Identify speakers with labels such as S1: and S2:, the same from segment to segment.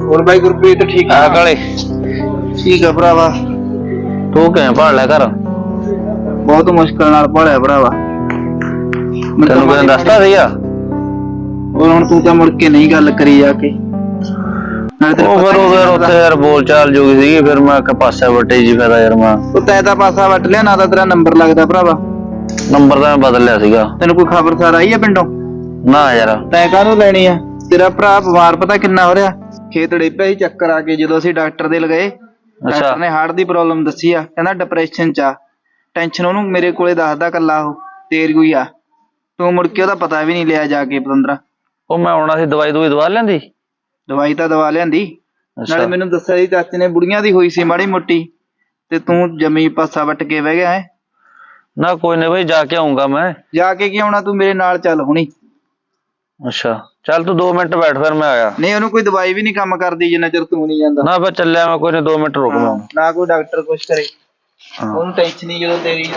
S1: और भाई गुरप्रीत ठीक है
S2: काले
S1: ठीक है भरावा
S2: तू किवें भाल लिया घर
S1: बहुत मुश्किल नाल भालिया भरावा
S2: तेनू किसी दसता सीगा
S1: और हुण तू तां मुड़ के नहीं गल करी जाके
S2: फिर उत्थे यार बोल चाल जो सी फिर मैं पासे वटे जी फायदा यार मैं
S1: तै तां पासा वट लिया ना तां तेरा नंबर लगदा भरावा
S2: नंबर तां मैं बदल लिया सीगा
S1: तेनू कोई खबरसार आई है पिंडों
S2: ना यार
S1: तै काहनूं लैनी है तेरा भरा बीमार पता किन्ना हो रहा खेत डिप्पिया ही चक्कर आके जो असीं डॉक्टर दे लगे डॉक्टर ने हार्ट दी प्रॉब्लम दसी आ कहंदा डिप्रैशन च आ टेंशन ओनू मेरे कोले दसदा कल्ला ओह तेर कोई आ तू मुड़ के ओहदा पता भी नहीं लिया जाके पतंदरा
S2: ਉਹ ਮੈਂ ਆਉਣਾ ਸੀ ਦਵਾਈ ਦਵਾ ਲੈਂਦੀ
S1: दवाई तां दवा लियांदी नाले मैनू दस्सिया सी चाचे ने बुढ़ियां दी होई सी माड़ी मोटी ते तू जमी पासा वट के बह गया है
S2: ना कोई नहीं भाई जाके आऊंगा मैं
S1: जाके की आउणा तू मेरे नाल चल हुणी
S2: अच्छा चल तू 2 मिनट बैठ फिर मैं आया
S1: नहीं ओनू कोई दवाई भी नहीं काम करदी जिन्ना चिर तू नहीं जांदा
S2: ना फिर चलिया मैं कोई नहीं 2 मिनट रुक मैं
S1: ना कोई डॉक्टर कुछ करे ओनू टेंशन ही जो तेरी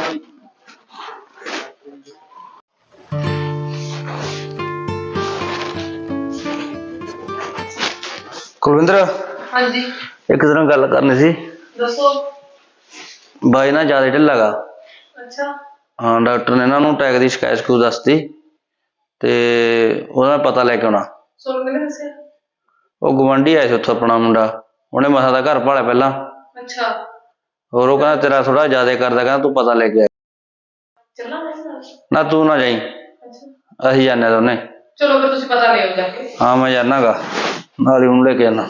S2: कुलविंदर
S3: हाँ जी
S2: एक दिन गल करनी सी
S3: दसो
S2: बाई ना ज्यादा ढिला गा
S3: अच्छा
S2: हाँ डॉक्टर ने इन्होंने टैग की शिकायत शकूत दसती ते ओहदा पता लैके आना
S3: सोनू मैंने दस्या
S2: वो गवांढी आया सी उत्थों अपना मुंडा उन्हें मसा दा घर भालिया पहला
S3: अच्छा
S2: और वो कहना तेरा थोड़ा ज्यादा करदा कहना तू पता लेके आ
S3: चलना मेरे साथ
S2: ना तू ना जाई
S3: अच्छा
S2: असीं जाने दोने
S3: चलो फिर तुसी पता ले आओ जाके
S2: हाँ मैं जाना गा नाल ही उन्हें लेके आना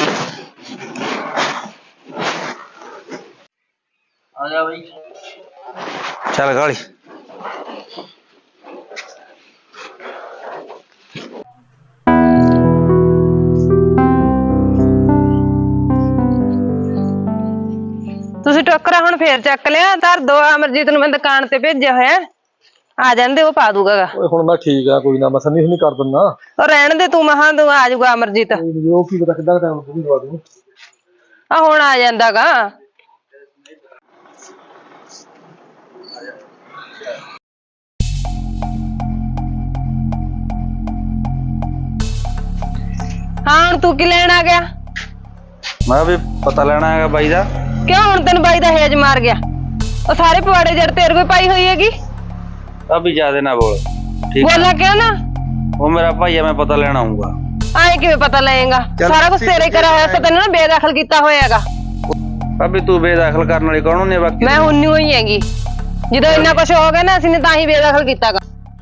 S1: आजा भाई
S2: चल गाली
S4: ਤੁਸੀਂ ਟੋਕਰਾ ਹੁਣ ਫੇਰ ਚੱਕ ਲਿਆ ਧਰ ਦੋ ਅਮਰਜੀਤ ਨੂੰ ਮੈਂ ਦੁਕਾਨ ਤੇ ਭੇਜਿਆ ਹੋਇਆ ਆ ਜਾਂਦੇ ਉਹ ਪਾ ਦੂਗਾ
S5: ਓਏ ਹੁਣ ਮੈਂ ਠੀਕ ਆ ਕੋਈ ਨਾ ਮੈਂ ਸੰਨੀ ਸੁਨੀ ਕਰ ਦਿੰਦਾ
S4: ਉਹ ਰਹਿਣ ਦੇ ਤੂੰ ਮਹਾਂ ਤੂੰ ਆ ਜਾਊਗਾ ਅਮਰਜੀਤ
S5: ਉਹ ਕੀ ਪਤਾ ਕਿੱਦਾਂ ਟਾਈਮ ਪੂਰੀ ਦਵਾ ਦੂੰ
S4: ਆ ਹੁਣ ਆ ਜਾਂਦਾਗਾ ਹਾਂ ਹੁਣ ਤੂੰ ਕੀ ਲੈਣ ਆ ਗਿਆ
S2: मैं भी पता लेना है बाई दा
S4: ਕਿਉਂ ਹੁਣ ਤੈਨੂੰ ਬਾਈ ਦਾ ਹੇਜ ਮਾਰ ਗਿਆ ਉਹ ਸਾਰੇ ਪਵਾੜੇ ਜੜ ਤੇਰੇ ਕੋਲ ਪਾਈ ਹੋਈ ਹੈਗੀ
S2: अभी ज्यादा ना बोल ठीक है
S4: ਬੋਲਾ ਕਿਉਂ ਨਾ
S2: वो मेरा भाई है मैं पता लेना आऊंगा
S4: ਆਏ ਕਿਵੇਂ ਪਤਾ ਲਏਗਾ ਸਾਰਾ ਕੁਝ ਤੇਰੇ ਕਰਾ ਹੋਇਆ ਸੀ ਤੈਨੂੰ ਨਾ ਬੇਦਖਲ ਕੀਤਾ ਹੋਇਆਗਾ
S2: अभी तू बेदखल करने वाली कौन नहीं बाकी
S4: ਮੈਂ ਹੁੰਨੀ ਹੋਈ ਹੈਗੀ ਜਦੋਂ ਇੰਨਾ ਕੁਝ ਹੋ ਗਿਆ ਨਾ ਅਸੀਂ ਨੇ ਤਾਂ ਹੀ ਬੇਦਖਲ ਕੀਤਾਗਾ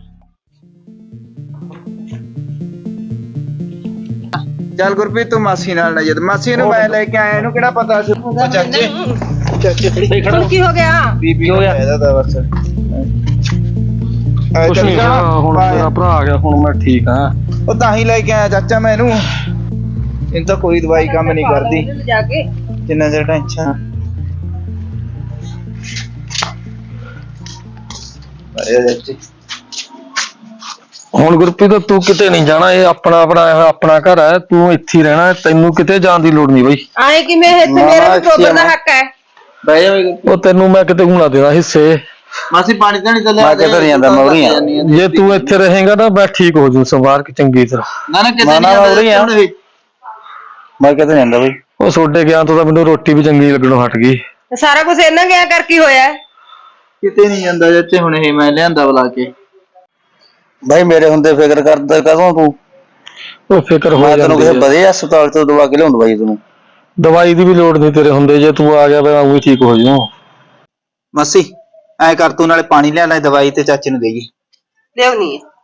S1: ਚੱਲ ਗੁਰਪ੍ਰੀਤ ਤੂੰ ਮਾਸੀ ਨਾਲ ਨਾ ਜਦ ਮਾਸੀ ਨੂੰ ਮੈਂ ਲੈ ਕੇ ਆਇਆ ਇਹਨੂੰ ਕਿਹੜਾ ਪਤਾ ਸੀ ਉਹ ਚਾਚੇ
S4: ਹੁਣ ਕੀ ਹੋ ਗਿਆ
S1: ਬੀਬੀ ਹੋ ਗਿਆ ਇਹਦਾ ਤਾਂ ਬਸ
S5: ਕੁਛ ਨਹੀਂ ਹੁਣ ਮੇਰਾ ਭਰਾ ਆ ਗਿਆ ਹੁਣ ਮੈਂ ਠੀਕ ਆ
S1: ਉਹ ਤਾਂ ਹੀ ਲੈ ਕੇ ਆਇਆ ਚਾਚਾ ਮੈਂ ਇਹਨੂੰ ਤਾਂ ਕੋਈ ਦਵਾਈ ਕੰਮ ਨਹੀਂ ਕਰਦੀ
S4: ਜਾ ਕੇ
S1: ਜਿੰਨਾ ਚਿਰ ਟੈਨਸ਼ਨ ਅਰੇ ਚਾਚੀ
S5: ਹੁਣ ਗੁਰਪ੍ਰੀਤ ਤੂੰ ਕਿਤੇ ਨਹੀਂ ਜਾਣਾ ਇਹ ਆਪਣਾ ਆਪਣਾ ਘਰ ਹੈ ਤੂੰ ਇੱਥੇ ਹੀ ਰਹਿਣਾ ਤੈਨੂੰ ਕਿਤੇ ਜਾਣ ਦੀ ਲੋੜ ਨਹੀਂ ਬਈ
S4: ਆਏ ਕਿਵੇਂ ਇੱਥੇ ਮੇਰਾ ਟੋਬਰ ਦਾ ਹੱਕ ਹੈ
S1: ਬਹਿ ਜਾ
S5: ਉਹ ਤੈਨੂੰ ਮੈਂ ਕਿਤੇ ਘੁਮਾ ਦੇਣਾ ਹਿੱਸੇ
S1: ਮਾਸੀ ਪਾਣੀ ਤਾਂ ਨਹੀਂ ਚੱਲਿਆ
S2: ਮੈਂ ਕਿੱਧਰ ਨਹੀਂ ਜਾਂਦਾ, ਮੈਂ ਉਰੀ ਆ।
S5: ਜੇ ਤੂੰ ਇੱਥੇ ਰਹੇਗਾ ਤਾਂ ਮੈਂ ਠੀਕ ਹੋ ਜੂ ਸੰਵਾਰ ਕੇ ਚੰਗੀ ਤਰ੍ਹਾਂ
S1: ਨਾ ਨਾ ਕਿਤੇ
S2: ਨਾ,
S1: ਨਹੀਂ
S2: ਉਰੀ ਆ। मैं कहते नहीं भाई
S5: ਉਹ ਛੋਡੇ ਗਿਆ ਤੋਂ ਤਾਂ ਮੈਨੂੰ ਰੋਟੀ ਵੀ ਚੰਗੀ ਲੱਗਣੋਂ ਹਟ ਗਈ
S4: ਸਾਰਾ ਕੁਝ ਇਹਨਾਂ ਗਿਆ ਕਰ ਕੀ ਹੋਇਆ
S1: ਕਿਤੇ ਨਹੀਂ ਜਾਂਦਾ ਚਾਚੇ ਹੁਣ ਇਹ ਮੈਂ ਲਿਆਂਦਾ ਬੁਲਾ ਕੇ
S2: भाई मेरे हुंदे फिक्र करदा कदों तू
S5: ਉਹ ਫਿਕਰ ਹੋ
S2: मैं तेनों
S5: ਜਾਂਦੀ
S2: किसी
S5: ਹੈ
S2: बड़े अस्पताल तो दवा के लियाऊं दवाई तेनों
S5: ਦਵਾਈ ਦੀ ਵੀ ਲੋੜ ਨਹੀਂ ਤੇਰੇ ਹੁੰਦੇ ਜੇ ਤੂੰ ਆ ਗਿਆ ਮੈਂ ਉਹ ਠੀਕ ਹੋ ਜੂ
S1: ਮਾਸੀ ਐ ਕਰ ਤੂੰ ਨਾਲੇ ਪਾਣੀ ਲਿਆ ਲੈ ਦਵਾਈ ਤੇ ਚਾਚੇ ਨੂੰ ਦੇਈਏ
S4: ਲਿਆਉਣੀ ਹੈ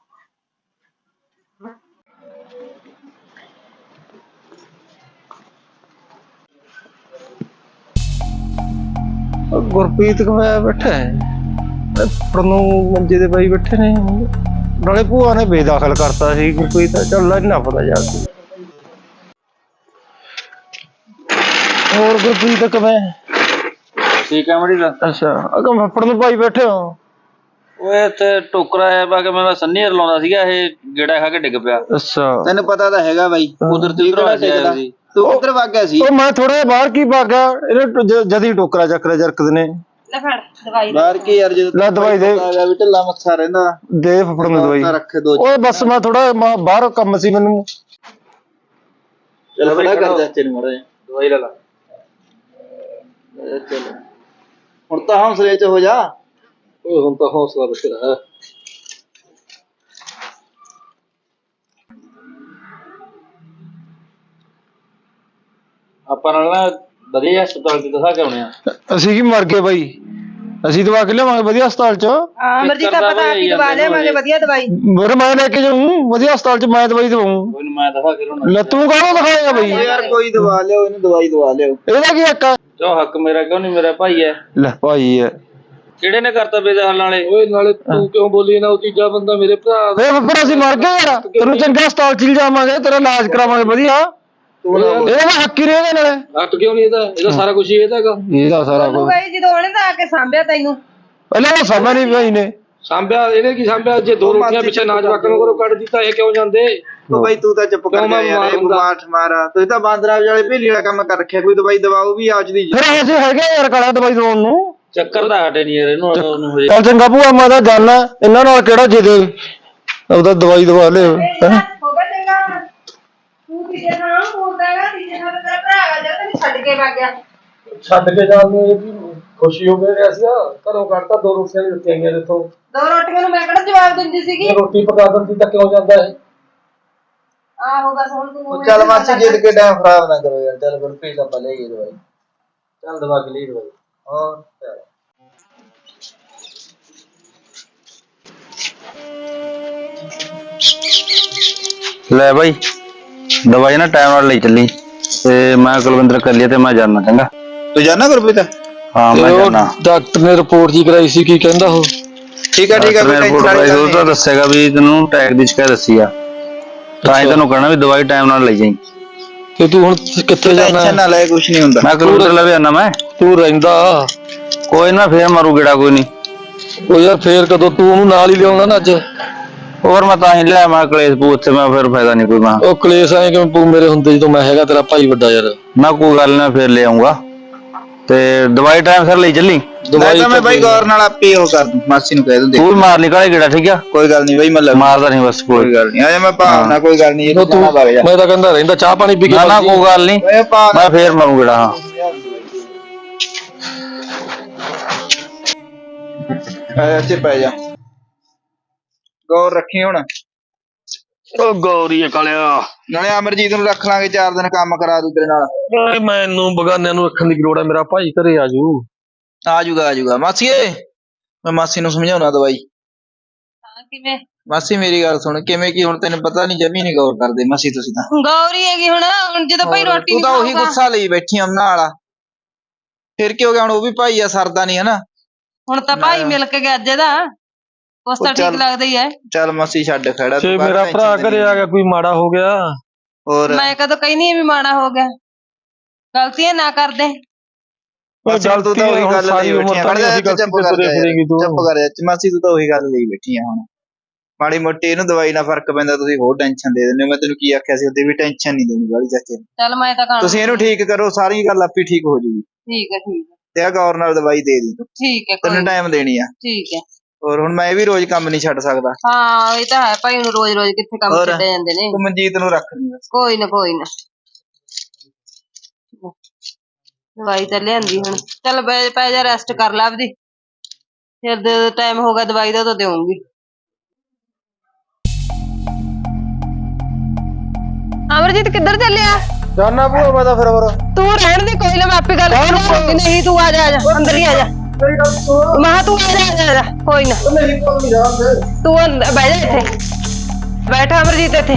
S5: ਗੁਰਪ੍ਰੀਤ ਕੋਲ ਬੈਠਾ ਹੈ ਪਰ ਨੂੰ ਮੰਜੇ ਦੇ ਬਾਈ ਬੈਠੇ ਨੇ ਨਾਲੇ ਭੂਆ ਨੇ ਬੇਦਖਲ ਕਰਤਾ ਸੀ ਗੁਰਪ੍ਰੀਤ ਚੱਲ ਇੰਨਾ ਪਤਾ ਜਾ ਹੋਰ ਗੁਰਪ੍ਰੀਤ ਕਿਵੇਂ
S2: ठीक है मड़ी दा
S5: ਅੱਛਾ ਅਗਮ ਫੱਫੜ ਨੂੰ ਭਾਈ ਬੈਠੇ ਹੋ
S2: ओए ते टोकरा है बाके मैं सन्नी लाउंदा सीगा ये गेड़ा खा के डिग पिया
S5: ਅੱਛਾ
S1: ਤੈਨੂੰ ਪਤਾ ਤਾਂ ਹੈਗਾ ਬਾਈ ਕੁਦਰਤੀ ਕਿਹੜਾ ਟਿਕਦਾ ਤੂੰ ਕਿੱਧਰ ਵਗ ਗਿਆ ਸੀ
S5: ਉਹ ਮੈਂ ਥੋੜਾ ਬਾਹਰ ਕੀ ਭਾਗਾ ਇਹਨੇ ਜਦੀ ਟੋਕਰਾ ਚੱਕਰਾ ਜਰਕਦੇ ਨੇ
S4: ਲੈ ਫੜ ਦਵਾਈ
S1: ਬਾਹਰ ਕੀ ਯਾਰ ਜਦੋਂ
S5: ਲੈ ਦਵਾਈ ਦੇ
S1: ਆ ਗਿਆ ਵੀ ਢਿੱਲਾ ਮੱਥਾ ਰਹਿੰਦਾ
S5: ਦੇ ਫੱਫੜ ਨੂੰ ਦਵਾਈ
S1: ਰੱਖੇ ਦੋ
S5: ਓਏ ਬਸ ਮੈਂ ਥੋੜਾ ਬਾਹਰ ਕੰਮ ਸੀ ਮੈਨੂੰ
S1: ਚਲ ਖੜਾ ਕਰ ਚਾਚੇ ਨੂੰ ਮਾੜਾ ਜਿਹਾ ਦਵਾਈ ਲੈ ਲਾ ਚਲ ਹੁਣ ਤਾਂ ਹੌਸਲੇ ਚ ਹੋ ਜਾ
S5: ਓਏ ਹੁਣ ਤਾਂ ਹੌਸਲਾ ਬਥੇਰਾ।
S2: ਆਪਾਂ ਨਾਲ ਨਾ ਵਧੀਆ ਹਸਪਤਾਲ ਚ ਦਿਖਾ ਕੇ ਆਉਣੇ ਆ।
S5: ਅਸੀਂ ਕੀ ਮਰ ਗਏ ਬਾਈ, ਅਸੀਂ ਦਵਾ ਕੇ ਲਿਆਵਾਂਗੇ ਵਧੀਆ ਹਸਪਤਾਲ ਚ।
S4: ਅਮਰਜੀਤ ਆਪਾਂ ਤਾਂ ਆਪ ਹੀ ਦਵਾ ਲਿਆਵਾਂਗੇ ਵਧੀਆ ਦਵਾਈ।
S5: ਮੇਰੇ ਮੈਂ ਲੈ ਕੇ ਜਾਊਂ ਵਧੀਆ ਹਸਪਤਾਲ ਚ, ਮੈਂ ਦਵਾਈ ਦਵਾऊं।
S2: ਕੋਈ ਨੀ ਮੈਂ ਦਿਖਾ ਕੇ ਲਿਆਉਣਾ।
S5: ਲੈ ਤੂੰ ਕਾਹਨੂੰ ਦਿਖਾਏਗਾ ਬਾਈ?
S1: ਯਾਰ ਕੋਈ ਦਵਾ ਲਿਓ ਇਹਨੂੰ, ਦਵਾਈ ਦਵਾ ਲਿਓ।
S5: ਇਹਦਾ ਕੀ ਹੱਕ ਆ?
S2: ਜੋ ਹੱਕ ਮੇਰਾ ਕਿਉਂ ਨਹੀਂ, ਮੇਰਾ ਭਾਈ ਹੈ।
S5: ਲੈ ਭਾਈ ਹੈ
S2: ਕਿਹੜੇ ਨੇ ਕਰਤਾ ਬੇਦਖਲ ਨਾਲੇ?
S5: ਓਏ ਨਾਲੇ ਤੂੰ ਕਿਉਂ ਬੋਲੀ ਨਾ, ਉਹ ਤੀਜਾ ਬੰਦਾ ਮੇਰੇ ਭਰਾ। ਫਿਰ ਅਸੀਂ ਮਰ ਗਏ ਯਾਰ, ਤੈਨੂੰ ਚੰਗਾ ਹਸਪਤਾਲ ਚ ਲਿਜਾਵਾਂਗੇ, ਤੇਰਾ ਇਲਾਜ ਕਰਾਵਾਂਗੇ ਵਧੀਆ। ਇਹਦਾ ਹੱਕ ਹੀ ਰਹੇਗਾ ਨਾਲੇ।
S6: ਹੱਕ ਕਿਉਂ ਨਹੀਂ ਇਹਦਾ ਸਾਰਾ ਕੁਝ ਇਹਦਾ ਹੈਗਾ।
S5: ਇਹਦਾ ਸਾਰਾ ਕੁਝ
S4: ਬਾਈ ਜਦੋਂ ਉਹਨੇ ਤਾਂ ਆ ਕੇ ਸਾਂਭਿਆ ਤੈਨੂੰ।
S5: ਪਹਿਲਾਂ ਉਹ ਸਮਝ ਨਹੀਂ ਭਾਈ ਨੇ
S6: ਸਾਂਭਿਆ ਇਹਨੇ ਕੀ ਸਾਂਭਿਆ? ਜੇ ਦੋ ਰੋਟੀਆਂ ਪਿੱਛੇ ਨਾ ਜਵਾਕਾਂ ਨੂੰ ਕਰੋ ਕੱਢ ਦਿੱਤਾ, ਇਹ ਕਿਉਂ ਜਾਂਦੇ?
S1: ਉਹ ਬਾਈ ਤੂੰ ਤਾਂ ਚੁੱਪ ਕਰ ਜਾ ਯਾਰ, ਇਹ ਬਿਮਾਰ ਠਮਾਰਾ ਤੁਸੀਂ ਤਾਂ ਬਾਂਦਰਾ ਵਾਲੇ ਭੇਲੀ ਵਾਲਾ ਕੰਮ ਕਰ ਰੱਖਿਆ। ਕੋਈ ਦਵਾਈ ਦਵਾਓ ਵੀ ਆਜ ਦੀ।
S5: ਫਿਰ ਅਸੀਂ ਹੈਗੇ ਯਾਰ ਕਾਲਾ ਦਵਾਈ ਦਵਾਉਣ ਨੂੰ।
S2: ਚੱਕਰ ਤਾਂ ਹਟੇ ਨਹੀਂ ਯਾਰ ਇਹਨੂੰ ਹੋ ਜੇ।
S5: ਚੱਲ ਚੰਗਾ ਭੂਆ, ਮੈਂ ਤਾਂ ਜਾਣਾ, ਇਹਨਾਂ ਨਾਲ ਕਿਹੜਾ ਜਿੱਦੇ ਉਹਦਾ ਦਵਾਈ ਦਵਾ ਲਿਓ।
S4: ਹੋ ਗਿਆ ਚੰਗਾ, ਤੂੰ ਤੀਜੇ ਥਾਂ ਬੋਲਦਾ ਹੈਗਾ, ਤੀਜੇ ਥਾਂ ਤੇਰਾ ਭਰਾ ਆ ਜਾ ਤੈਨੂੰ ਛੱਡ ਕੇ ਵਗ ਗਿਆ।
S6: ਛੱਡ ਕੇ ਜਾਣ ਨੂੰ ਇਹ ਵੀ ਖੁਸ਼ੀ ਹੋ ਗਈ ਐਸਾ, ਘਰੋਂ ਕੱਢਤਾ, ਦੋ ਰੋਟੀਆਂ ਦਿੱਤੀਆਂ ਗਈਆਂ ਇੱਥੋਂ।
S4: ਦੋ ਰੋਟੀਆਂ ਨੂੰ ਮੈਂ ਕਿਹੜਾ ਜਵਾਬ ਦਿੰਦੀ ਸੀਗੀ।
S6: ਇਹ ਰੋਟੀ ਪਕਾ ਦਿੰਦੀ ਤਾਂ ਕਿਉਂ ਜਾਂਦਾ ਇਹ?
S4: ਆਹੋ ਬਸ ਹੁਣ ਤੂੰ
S1: ਚੱਲ ਮਾਸੀ ਜਿੱਦ ਕੇ ਟਾਈਮ ਖਰਾਬ ਨਾ ਕਰੋ ਯਾਰ। ਚੱਲ ਗੁਰਪ੍ਰੀਤ ਆਪਾਂ ਲੈ ਗਏ ਦਵਾਈ। ਚੱਲ ਦਵਾ ਕੇ ਲਈ ਦਵਾਈ। ਹਾਂ
S2: ਲੈ ਬਾਈ ਦਵਾਈ ਨਾ ਟਾਈਮ ਨਾਲ ਲਈ ਚੱਲੀ ਤੇ ਮੈਂ ਕੁਲਵਿੰਦਰ ਕਰ ਲਿਆ ਤੇ ਮੈਂ ਜਾਣਾ। ਚੰਗਾ
S1: ਤੂੰ ਜਾਣਾ ਗੁਰਪ੍ਰੀਤ?
S2: ਹਾਂ ਮੈਂ ਜਾਣਾ।
S6: ਡਾਕਟਰ ਨੇ ਰਿਪੋਰਟ ਜੀ ਕਰਾਈ ਸੀ, ਕੀ ਕਹਿੰਦਾ ਉਹ?
S1: ਠੀਕ ਆ ਠੀਕ ਆ, ਕੋਈ ਟੈਨਸ਼ਨ ਵਾਲੀ ਗੱਲ
S2: ਉਹ ਤਾਂ ਦੱਸੇਗਾ ਵੀ ਤੈਨੂੰ ਅਟੈਕ ਦੀ ਸ਼ਿਕਾਇਤ ਦੱਸੀ ਆ, ਤਾਂ ਹੀ ਤੈਨੂੰ ਕਹਿਣਾ ਵੀ ਦਵਾਈ ਟਾਈਮ ਨਾਲ ਲਈ ਜਾਈਂ।
S6: ਤੇ ਤੂੰ ਹੁਣ ਕਿੱਥੇ ਜਾਣਾ?
S1: ਟੈਨਸ਼ਨ ਨਾ ਲੈ, ਕੁਝ ਨਹੀਂ ਹੁੰਦਾ।
S2: ਮੈਂ ਕੁਲਵਿੰਦਰ ਲਵੇ ਆਣਾ ਮੈਂ।
S6: ਤੂੰ ਰਹਿੰਦਾ
S2: ਕੋਈ ਨਾ ਫੇਰ ਮਾਰੂ ਗੇੜਾ, ਕੋਈ ਨਹੀਂ।
S6: ਉਹ ਯਾਰ ਫੇਰ ਕਦੋਂ? ਤੂੰ ਉਹਨੂੰ ਨਾਲ ਹੀ ਲਿਆਉਣਾ ਨਾ ਅੱਜ।
S2: ਹੋਰ ਮੈਂ ਤਾਂ ਹੀ ਲਿਆ, ਮੈਂ ਕਲੇਸ਼ ਪੂ ਉੱਥੇ, ਮੈਂ ਫਿਰ ਫਾਇਦਾ ਨਹੀਂ ਕੋਈ। ਮੈਂ
S6: ਉਹ ਕਲੇਸ਼ ਆਏ ਕਿਵੇਂ ਪੂ ਮੇਰੇ ਹੁੰਦੇ ਜਦੋਂ ਮੈਂ ਹੈਗਾ ਤੇਰਾ ਭਾਈ ਵੱਡਾ ਯਾਰ।
S2: ਨਾ ਕੋਈ ਗੱਲ ਨਾ, ਫੇਰ ਲੈ ਆਉਂਗਾ ਤੇ ਦਵਾਈ ਟਾਈਮ ਸਿਰ ਲਈ ਚੱਲੀ।
S1: ਦਵਾਈ ਤਾਂ ਮੈਂ ਬਾਈ ਗੌਰ ਨਾਲ ਆਪੇ ਉਹ ਕਰ ਦੂੰ, ਮਾਸੀ ਨੂੰ ਕਹਿ ਦੂੰ।
S2: ਤੂੰ ਵੀ ਮਾਰ ਲਈ ਕਾਲੇ ਗੇੜਾ, ਠੀਕ ਆ?
S1: ਕੋਈ ਗੱਲ ਨਹੀਂ ਬਾਈ, ਮੈਂ
S2: ਮਾਰਦਾ ਨਹੀਂ ਬਸ,
S1: ਕੋਈ ਗੱਲ ਨਹੀਂ। ਆ ਜਾ ਮੈਂ ਭਾਵਨਾ, ਕੋਈ ਗੱਲ ਨਹੀਂ।
S6: ਉਹ ਤੂੰ ਮੈਂ ਤਾਂ ਕਹਿੰਦਾ ਰਹਿੰਦਾ, ਚਾਹ ਪਾਣੀ ਪੀ ਕੇ
S2: ਨਾ ਨਾ ਕੋਈ ਗੱਲ ਨਹੀਂ, ਮੈਂ ਫੇਰ ਮਾਰੂ ਗੇੜਾ। ਹਾਂ
S1: ਇੱਥੇ ਪੈ ਜਾ, ਗੌਰ ਰੱਖੀ ਹੁਣ।
S6: ਉਹ ਗੌਰੀ ਕਾਲਿਆ,
S1: ਨਾਲੇ ਅਮਰਜੀਤ ਨੂੰ ਰੱਖ ਲਾਂਗੇ, 4 ਦਿਨ ਕੰਮ ਕਰਾ ਦੂ ਤੇਰੇ ਨਾਲ।
S6: ਓਏ ਮੈਨੂੰ ਬਗਾਨਿਆਂ ਨੂੰ ਰੱਖਣ ਦੀ ਲੋੜ ਹੈ, ਮੇਰਾ ਭਾਈ ਘਰੇ ਆਜੂ।
S1: ਆ ਜਾਊਗਾ ਮਾਸੀਏ, ਮੈਂ ਮਾਸੀ ਨੂੰ ਸਮਝਾਉਣਾ ਦਵਾਈ।
S4: ਹਾਂ ਕਿਵੇਂ?
S1: ਮਾਸੀ ਮੇਰੀ ਗੱਲ ਸੁਣ, ਕਿਵੇਂ ਕੀ ਹੁਣ ਤੈਨੂੰ ਪਤਾ ਨਹੀਂ, ਜਮੀ ਨਹੀਂ ਗੌਰ ਕਰਦੇ ਮਾਸੀ ਤੁਸੀਂ ਤਾਂ।
S4: ਗੌਰੀ ਹੈਗੀ ਹੁਣ ਜਦੋਂ ਭਾਈ ਰੋਟੀ
S1: ਤੂੰ ਤਾਂ ਉਹੀ ਗੁੱਸਾ ਲਈ ਬੈਠੀ ਆ ਉਹਨਾਂ ਵਾਲਾ। ਫਿਰ ਕੀ ਹੋ ਗਿਆ? ਹੁਣ ਉਹ ਵੀ ਭਾਈ ਆ, ਸਰਦਾ ਨਹੀਂ ਹਨਾ।
S4: ਹੁਣ ਤਾਂ ਭਾਈ ਮਿਲ ਕੇ ਗਿਆ ਅੱਜ ਇਹਦਾ, ਉਸ ਤਾਂ ਠੀਕ ਲੱਗਦਾ ਹੀ ਹੈ।
S1: ਚੱਲ ਮਾਸੀ ਛੱਡ ਖੜਾ,
S6: ਜੇ ਮੇਰਾ ਭਰਾ ਘਰੇ ਆ ਗਿਆ, ਕੋਈ ਮਾੜਾ ਹੋ ਗਿਆ?
S1: ਹੋਰ
S4: ਮੈਂ ਕਦੋਂ ਕਹਿੰਦੀ ਵੀ ਮਾੜਾ ਹੋ ਗਿਆ, ਗਲਤੀਆਂ ਨਾ ਕਰਦੇ।
S1: ਚੱਲ ਤੂੰ ਤਾਂ ਉਹੀ ਗੱਲ ਲਈ ਬੈਠੀ ਆ। ਚੁੱਪ ਕਰ ਜਾ ਮਾਸੀ, ਤੂੰ ਤਾਂ ਉਹੀ ਗੱਲ ਲਈ ਬੈਠੀ ਆ। ਹੁਣ ਮਾੜੀ ਮੋਟੀ ਇਹਨੂੰ ਦਵਾਈ ਨਾਲ ਫਰਕ ਪੈਂਦਾ, ਤੁਸੀਂ ਹੋਰ ਟੈਨਸ਼ਨ ਦੇ ਦਿੰਦੇ ਹੋ। ਮੈਂ ਤੈਨੂੰ ਕੀ ਆਖਿਆ ਸੀ ਉਹਦੇ ਵੀ, ਟੈਨਸ਼ਨ ਨਹੀਂ ਦੇਣੀ ਵਾਲੀ ਚਾਚੇ ਨੂੰ।
S4: ਚੱਲ ਮੈਂ ਤਾਂ
S1: ਤੁਸੀਂ ਇਹਨੂੰ ਠੀਕ ਕਰੋ, ਸਾਰੀ ਗੱਲ ਆਪੇ ਠੀਕ ਹੋ ਜੂਗੀ।
S4: ਠੀਕ ਹੈ
S1: ਤੇ ਆ ਗੌਰ ਨਾਲ ਦਵਾਈ ਦੇ ਦੀ,
S4: ਠੀਕ ਹੈ
S1: 3 ਟਾਈਮ ਦੇਣੀ ਆ।
S4: ਠੀਕ ਹੈ।
S1: ਹੋਰ ਹੁਣ ਮੈਂ ਵੀ ਰੋਜ਼ ਕੰਮ ਨਹੀਂ ਛੱਡ ਸਕਦਾ।
S4: ਹਾਂ ਇਹ ਤਾਂ ਹੈ ਭਾਈ, ਹੁਣ ਰੋਜ਼ ਰੋਜ਼ ਕਿੱਥੇ ਕੰਮ ਛੱਡੇ ਜਾਂਦੇ ਨੇ।
S1: ਤੂੰ ਮਨਜੀਤ ਨੂੰ ਰੱਖ ਲਈ ਬਸ।
S4: ਕੋਈ ਨਾ ਦਵਾਈ ਤਾਂ ਲਿਆਂਦੀ ਹੁਣ। ਚੱਲ ਪੈ ਜਾ, ਰੈਸਟ ਕਰ ਲਾ ਆਪਦੀ, ਫਿਰ ਜਦੋਂ ਟਾਈਮ ਹੋਗਾ ਦਵਾਈ ਦਾ ਤਾਂ ਦੇਵਾਂਗੀ। ਅਮਰਜੀਤ ਕਿੱਧਰ ਚੱਲਿਆ?
S5: ਜਾਨਾ ਭੂਆ ਮੈਂ ਤਾਂ ਫਿਰ
S4: ਤੂੰ ਰਹਿਣ ਦੀ, ਕੋਈ ਨਾ ਮੈਂ ਆਪੇ ਗੱਲ ਕਰਾਂਗੀ। ਨਹੀਂ ਤੂੰ ਆ ਜਾ ਅੰਦਰ ਹੀ ਆ ਜਾ। ਮੈਂ ਤੂੰ ਆ ਜਾ ਕੋਈ ਨਾ। ਤੂੰ ਬਹਿ ਜਾ ਇੱਥੇ, ਬੈਠ ਅਮਰਜੀਤ ਇੱਥੇ।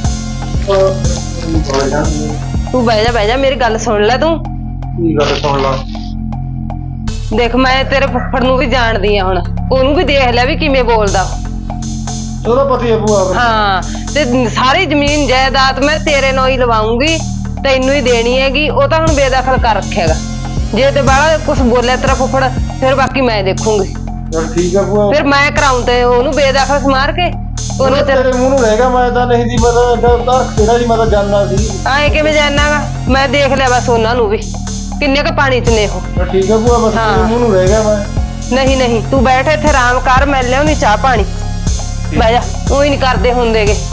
S4: ਤੂੰ ਬਹਿ ਜਾ, ਮੇਰੀ ਗੱਲ ਸੁਣ ਲੈ ਤੂੰ।
S5: ਕੀ ਗੱਲ ਸੁਣ ਲਾ।
S4: ਦੇਖ ਮੈਂ ਤੇਰੇ ਫੁੱਫੜ ਨੂੰ ਵੀ ਜਾਣਦੀ ਆ, ਹੁਣ ਉਹਨੂੰ ਵੀ ਦੇਖ ਲੈ ਵੀ ਕਿਵੇਂ ਬੋਲਦਾ।
S5: ਉਹਦਾ ਪਤੀ ਹੈ ਭੂਆ।
S4: ਹਾਂ ਤੇ ਸਾਰੀ ਜ਼ਮੀਨ ਜਾਇਦਾਦ ਮੈਂ ਤੇਰੇ ਨਾਲ ਹੀ ਲਵਾਉਂਗੀ, ਤੈਨੂੰ ਹੀ ਦੇਣੀ ਹੈਗੀ। ਉਹ ਤਾਂ ਹੁਣ ਬੇਦਖਲ ਕਰ ਰੱਖੇਗਾ, ਜੇ ਤੇ ਬਾਹਲਾ ਕੁਛ ਬੋਲਿਆ ਤੇਰਾ ਫੁੱਫੜ, ਫਿਰ ਬਾਕੀ ਮੈਂ ਦੇਖੂੰਗੀ।
S5: ਚਲ ਠੀਕ ਆ ਭੂਆ,
S4: ਫਿਰ ਮੈਂ ਕਰਾਉਂ ਤੇ ਉਹਨੂੰ ਬੇਦਖਲ ਸਮਾਰ ਕੇ ਉਹਨੂੰ
S5: ਤੇਰੇ ਮੂੰਹ ਨੂੰ ਰਹੇਗਾ। ਮੈਂ ਤਾਂ ਨਹੀਂ ਦੀ, ਮੈਂ ਤਾਂ ਤੇਰਾ ਜੀ, ਮੈਂ ਤਾਂ ਜਾਨਣਾ ਸੀ।
S4: ਆਏ ਕਿਵੇਂ ਜਾਣਾਗਾ? ਮੈਂ ਦੇਖ ਲਿਆ ਬਸ ਉਹਨਾਂ ਨੂੰ ਵੀ, ਕਿੰਨੇ ਕ ਪਾਣੀ ਚ ਨੇ ਉਹ।
S5: ਠੀਕ ਆ ਭੂਆ, ਬਸ ਤੇਰੇ ਮੂੰਹ ਨੂੰ ਰਹੇਗਾ। ਮੈਂ
S4: ਨਹੀਂ ਤੂੰ ਬੈਠ ਇੱਥੇ ਆਰਾਮ ਕਰ, ਮੈਂ ਲਿਆਉਣੀ ਚਾਹ ਪਾਣੀ। ਬਹਿ ਜਾ, ਉਹੀ ਨਹੀਂ ਕਰਦੇ ਹੁੰਦੇਗੇ।